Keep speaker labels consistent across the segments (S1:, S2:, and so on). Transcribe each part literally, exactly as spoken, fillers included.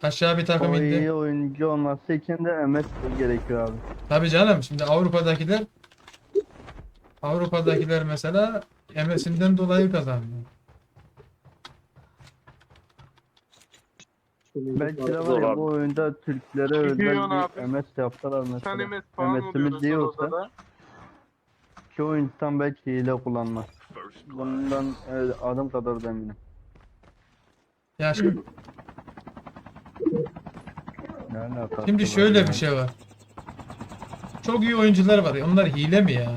S1: Aşağı bir takım
S2: O
S1: indi.
S2: iyi oyuncu olması için de M S gerekiyor abi.
S1: Tabii canım, şimdi Avrupa'dakiler Avrupa'dakiler mesela M S'inden dolayı kazanıyor.
S2: Belki de var
S3: Zor
S2: ya
S3: abi.
S2: bu oyunda Türklere özel
S4: Gidiyorsun
S2: bir
S4: abi.
S2: M S yaptılar
S4: Sen
S2: mesela.
S4: M S falan
S2: M S'imiz
S4: oluyorsun
S2: iyi
S4: sonra
S2: olsa
S4: odada.
S2: çoğu insan belki hile kullanmaz. Bundan evet, adım kadar da eminim.
S1: Ya şimdi,
S2: Ne alakası
S1: şimdi
S2: var
S1: şöyle
S2: ya?
S1: bir şey var. Çok iyi oyuncular var. Onlar hile mi ya?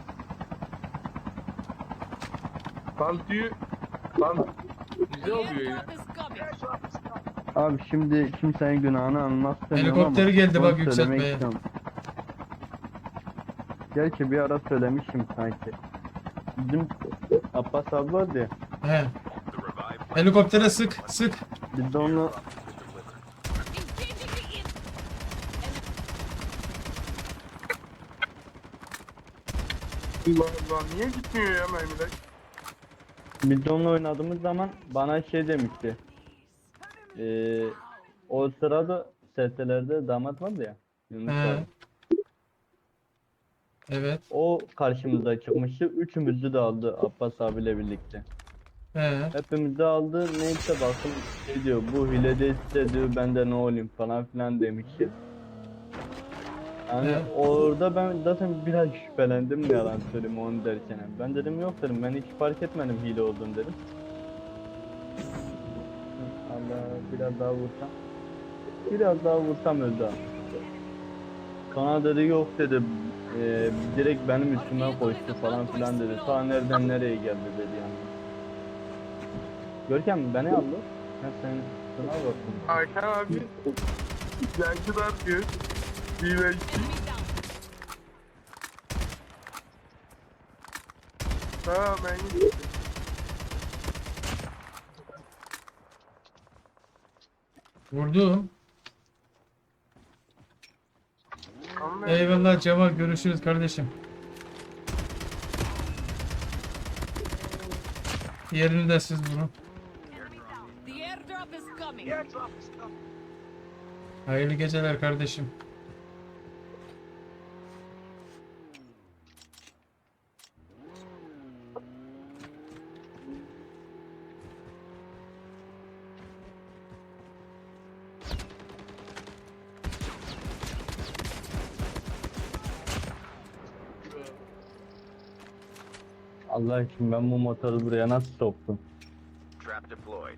S4: Lan diyor. Lan güzel oluyor ya.
S5: Airdrop is coming.
S2: Abi şimdi kimsenin günahını almak istemiyorum ama
S1: Helikopteri geldi
S2: şunu
S1: bak
S2: söylemek
S1: yükseltmeye.
S2: istiyorum. Gerçi bir ara söylemişim sanki. Bizim Abbas abi vardı ya.
S1: He. Helikoptere sık sık.
S2: Biz de onu
S5: Engaging the in.
S4: Allah Allah niye gitmiyor ya mermiler?
S2: biz de onunla oynadığımız zaman bana şey demişti. Ee, o sırada S T'lerde damat vardı ya. Yunus
S1: He.
S2: abi.
S1: Evet.
S2: O karşımıza çıkmıştı. Üçümüzü de aldı Abbas abiyle birlikte.
S1: He.
S2: Hepimiz de aldı. Neyse bakın şey diyor. Bu hile değilse diyor ben de ne olayım falan filan demişti. Yani
S1: Evet.
S2: orada ben zaten biraz şüphelendim ne yalan söyleyeyim onu derken. Ben dedim yok dedim ben hiç fark etmedim hile olduğunu dedim. Allah biraz daha vursam. Biraz daha vursam öldü abi. Kana dedi yok dedi. Eee direkt benim üstüme koştu falan filan dedi. Ta nereden nereye geldi dedi yani. Görkem beni aldı. Ben senin üstüne baktım.
S4: Hakan abi. Yankılar diyor. Bir ve iki.
S5: Enemy down.
S4: Tamam ben gittim.
S1: Vurdum.
S4: Ama ben-
S1: Eyvallah Cemal, görüşürüz kardeşim. Yerini de siz vurun.
S5: The airdrop is coming.
S1: Hayırlı geceler kardeşim.
S2: Allah için ben bu motoru buraya nasıl soktum?
S3: Trap deployed.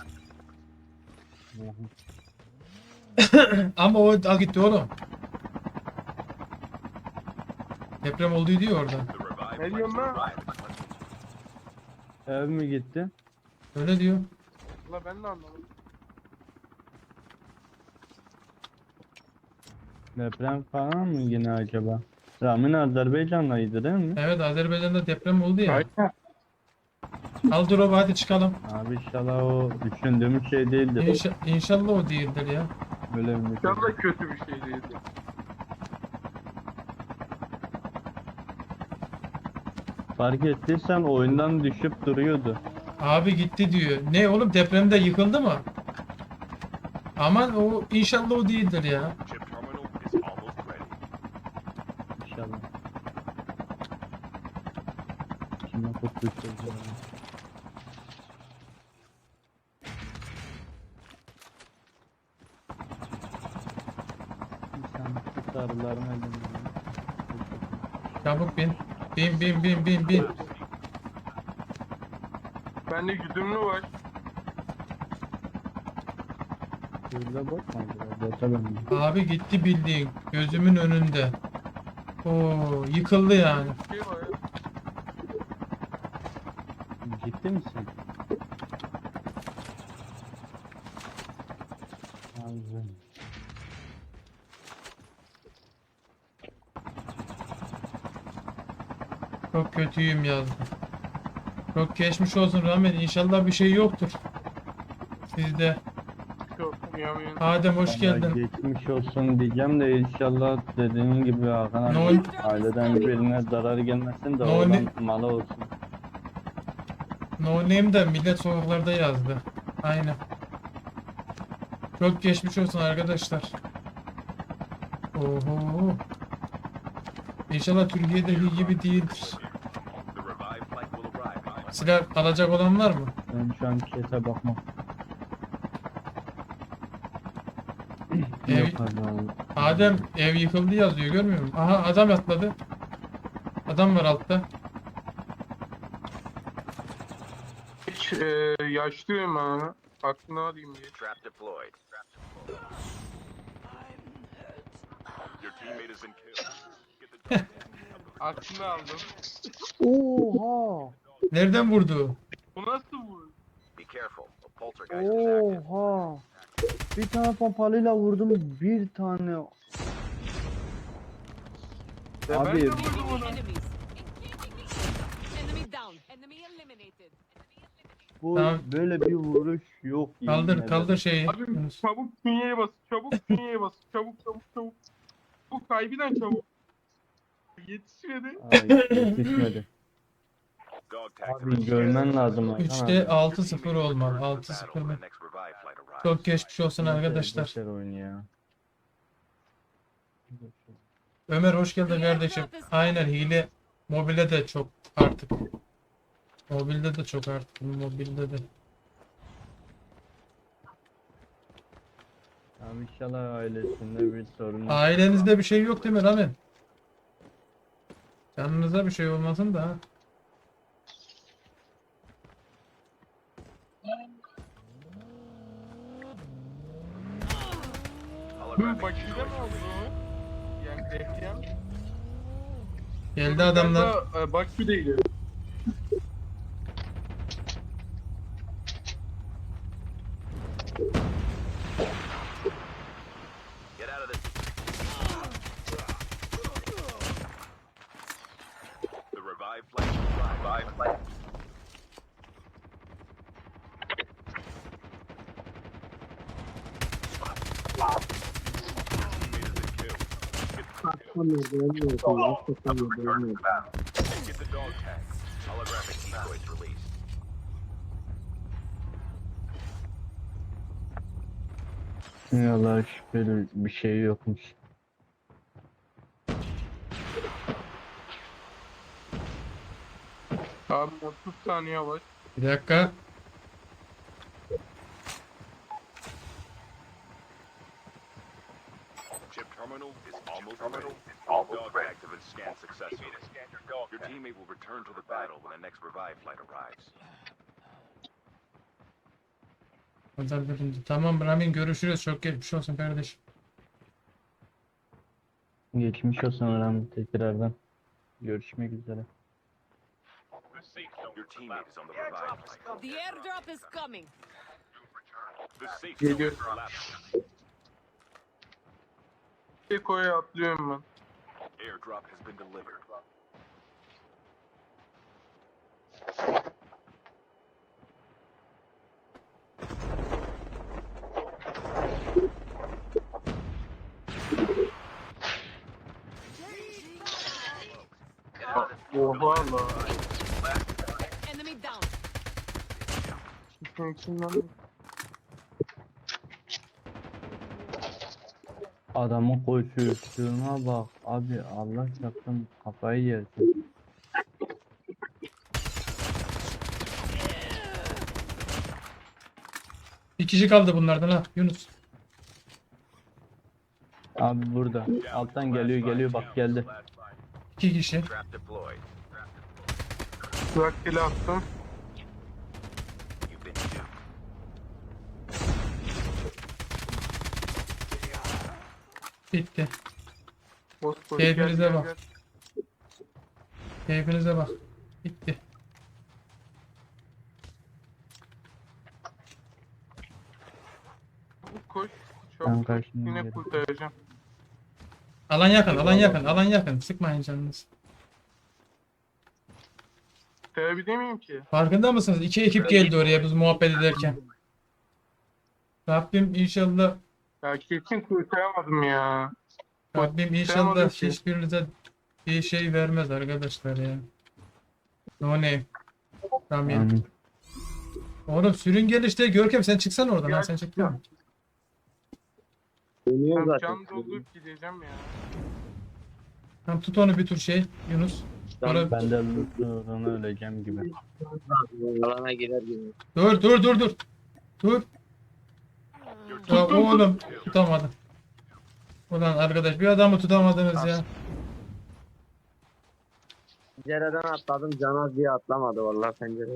S1: Ama o al gitti oğlum. Deprem oldu diyor orada.
S3: The revived
S4: Ne
S3: flight
S4: diyorsun lan?
S3: arrived.
S2: Ev mi gitti?
S1: Öyle diyor.
S4: Valla ben de anlamadım.
S2: Deprem falan mı yine acaba? Ramin Azerbaycan'daydı değil mi?
S1: Evet, Azerbaycan'da deprem oldu ya.
S4: Aynen.
S1: Al drop'u, hadi çıkalım.
S2: Abi inşallah o düşündüğümüz şey değildir.
S1: İnşa İnşallah o değildir ya.
S2: Böyle bir şey.
S4: İnşallah kötü bir şey değildi.
S2: Fark ettiysen oyundan düşüp duruyordu.
S1: Abi gitti diyor. Ne oğlum, depremde yıkıldı mı? Aman o inşallah o değildir ya.
S3: Chip terminal is almost ready.
S2: İnşallah. Kime kurtulacağız ya? İnsan tutarlarım elimden.
S1: Çabuk bin. Bin bin bin bin bin.
S4: Bende güdümlü var.
S2: Şurada bakma acaba. Bota ben.
S1: Abi gitti bildiğin. Gözümün önünde. Oo, yıkıldı yani.
S4: Bir şey var ya.
S2: Ciddi misin? Abi.
S1: Çok kötüyüm yazdı. Çok geçmiş olsun Rahmet. İnşallah bir şey yoktur. Sizde.
S4: Yok yapıyorum.
S1: Adem hoş
S2: Vallahi
S1: geldin.
S2: Geçmiş olsun diyeceğim de inşallah dediğin gibi Hakan abi
S1: No-
S2: aileden birine zarar gelmesin de
S1: No-
S2: oradan malı olsun.
S1: No Name de millet sokaklarda yazdı. Aynen. Çok geçmiş olsun arkadaşlar. Oho. İnşallah Türkiye'deki gibi değildir.
S3: The revived flight will arrive.
S1: Silah alacak olan var mı?
S2: Ben şu an kese bakmam.
S1: Ev,
S2: Yok abi.
S1: Adem ev yıkıldı yazıyor, görmüyor musun? Aha, adam atladı. Adam var altta.
S4: Hiç e, yaşlıyım ben. Aklını alayım diye.
S3: Trap deployed. Your teammate is in kill. Get the dog tag.
S4: Aklını aldım.
S2: Oha!
S1: Nereden vurdu?
S4: Bu nasıl bu?
S3: Be careful. A poltergeist is active.
S2: Oha! Bir tane pompalıyla vurdum, bir tane.
S4: Ya
S2: Abi,
S4: ben de
S5: Engaging
S4: vurdum
S5: the
S4: ona.
S5: enemies. Engaging the enemies. Enemy down. Enemy eliminated.
S2: bu
S1: Tamam.
S2: böyle bir vuruş yok. yemin
S1: Kaldır
S2: ederim.
S1: kaldır şeyi.
S4: Abi
S1: Yunus.
S4: çabuk künyeye bas. Çabuk künyeye bas. Çabuk çabuk çabuk. Bu kaybeden çabuk. Yetişmedi.
S2: Ay, yetişmedi.
S3: Dog tags have
S2: Abi
S3: been
S2: görmen
S3: scanned.
S2: lazım. Hakan
S1: üçte
S2: abi.
S1: altı sıfır
S3: Your teammate will
S1: olmalı.
S3: return to
S1: altı
S3: the
S1: sıfır
S3: battle
S1: mı?
S3: when the next revive flight arrives.
S1: Çok geçmiş olsun
S2: Yeter,
S1: arkadaşlar.
S2: yeter oyun ya.
S1: Ömer hoş geldin kardeşim. Aynen, hile mobilde de çok artık. Mobilde de çok artık. Mobilde de.
S2: Tamam, inşallah ailesinde bir sorun yok.
S1: Ailenizde bir şey yok değil mi Ramin? Canınıza bir şey olmasın da ha.
S4: Bu
S3: Holographic
S4: makine mi
S3: destroys
S4: oldu o? Yani dehlem.
S1: Geldi adamlar.
S4: E, bak bir değil.
S3: Get out of this. The revived flight will arrive. Revived flight. Get the dog tag. Holographic decoys released.
S2: Yalan, şüpheli bir şey yokmuş.
S4: Abi otuz saniye var.
S1: Bir dakika.
S3: Chip terminal is almost ready. All dog tags have been scanned successfully. Your teammate will return to the battle when the next revive flight arrives.
S1: Pazar bölümde. Tamam Ramin, görüşürüz. Çok geçmiş olsun kardeşim.
S2: Geçmiş olsun Orhan, tekrardan. Görüşmek üzere.
S3: Your teammate is on the revive flight.
S5: The airdrop is coming.
S3: The safe
S4: Geliyor.
S3: zone is collapsing.
S4: Dekoya atlıyorum ben.
S3: Airdrop has been delivered.
S4: Oha la.
S5: Enemy down.
S4: Şunun içinden.
S2: Adamın koşuştuğuna bak abi, Allah çarpsın kafayı yersin.
S1: Bir kişi kaldı bunlardan ha Yunus.
S2: Abi burada alttan geliyor geliyor bak geldi.
S1: İki kişi.
S3: Trap deployed.
S4: Rakkeli attım.
S3: You've been duped.
S1: Bitti.
S4: Boş boş.
S1: Keyfinize
S4: Gel, gel,
S1: bak.
S4: gel.
S1: Keyfinize bak. Bitti.
S4: Çabuk koş.
S2: Ben
S4: Çabuk koş.
S2: karşına
S4: Yine
S2: geldim.
S4: kurtaracağım.
S1: Alan yakın, alan yakın, alan yakın. Sıkmayın canınızı.
S4: Kurtarabilir miyim ki?
S1: Farkında mısınız? İki ekip geldi oraya biz muhabbet ederken. Rabbim inşallah
S4: Ya kesin kurtaramadım ya.
S1: Rabbim
S4: Kurtaramadım
S1: inşallah
S4: ki.
S1: hiçbirinize bir şey vermez arkadaşlar ya. No name. Ramin.
S2: Amin.
S1: Oğlum sürün gel işte. Görkem sen çıksana oradan.
S4: Ya,
S1: Ha, sen çıktın mı?
S6: Dönüyor
S4: Ben
S6: zaten.
S4: can doldurup gideceğim ya.
S1: Tamam tut onu bir tur şey Yunus. Sonra...
S2: Ben de loot'tan öleceğim gibi.
S6: Alana girer gibi.
S1: Dur dur dur dur. Dur.
S3: Your
S1: Ya
S3: team
S4: Tuttum,
S1: oğlum tutamadım. Ulan arkadaş bir adamı tutamadınız ya.
S6: Pencereden atladım. Canaz diye atlamadı vallahi pencereden.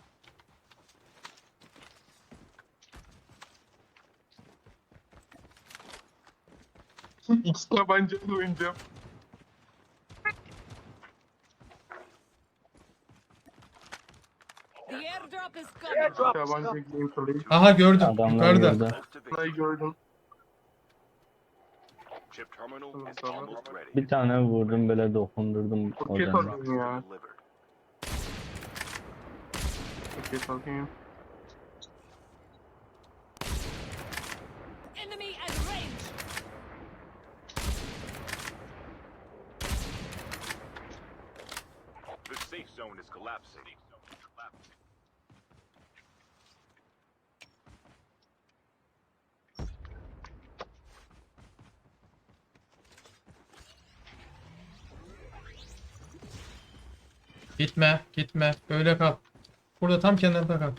S4: İki tabancayla oynayacağım.
S5: The airdrop is coming.
S4: İki tabanca gameplay.
S1: Aha gördüm
S2: Adamlar
S1: yukarıda.
S2: gördü.
S3: close to
S4: Burayı
S3: victory.
S4: gördüm.
S3: Chip terminal is
S4: Tamam.
S3: almost ready.
S2: Bir tane vurdum böyle dokundurdum
S4: Roket
S2: odana.
S4: alayım ya.
S3: Delivered.
S4: Roket alayım.
S5: Enemy at range.
S3: The safe zone is collapsing.
S1: Gitme gitme böyle kal. Burada tam kenarda kal.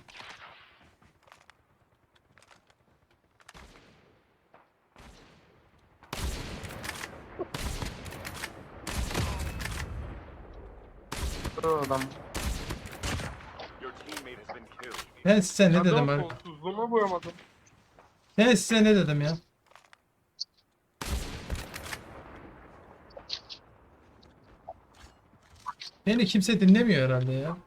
S4: Dur adam.
S3: Your teammate has been killed.
S1: Ben size ne dedim
S4: Adam
S1: abi?
S4: kolsuzluğuma boyamadım.
S1: Ben size ne dedim ya? Beni kimse dinlemiyor herhalde ya.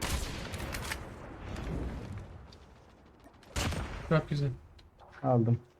S1: Çok güzel.
S2: Aldım.